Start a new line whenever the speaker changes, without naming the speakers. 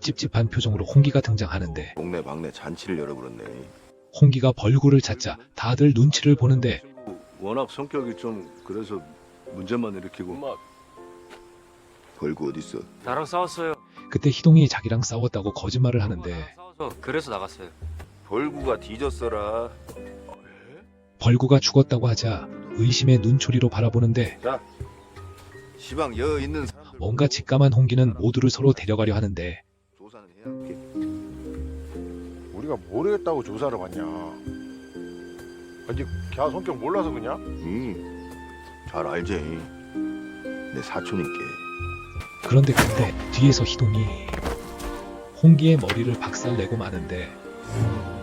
찝찝한 표정으로 홍기가 등장하는데
동네 방네 잔치를 열어버렸네.
홍기가 벌구를 찾자 다들 눈치를 보는데
워낙 성격이 좀 그래서 문제만 일으키고. 벌구 어딨어?
나랑 싸웠어요.
그때 희동이 자기랑 싸웠다고 거짓말을 하는데
싸워서 그래서 나갔어요.
벌구가 뒤졌어라.
벌구가 죽었다고 하자 의심의 눈초리로 바라보는데
자, 시방 여 있는 사람들
뭔가 직감한 홍기는 모두를 서로 데려가려 하는데
조사는 해야 할게.
우리가 뭘 했다고 조사를 받냐? 아니, 걔 성격 몰라서 그냥?
잘 알지. 내 사촌인께.
그런데 그때 뒤에서 희동이 홍기의 머리를 박살내고 마는데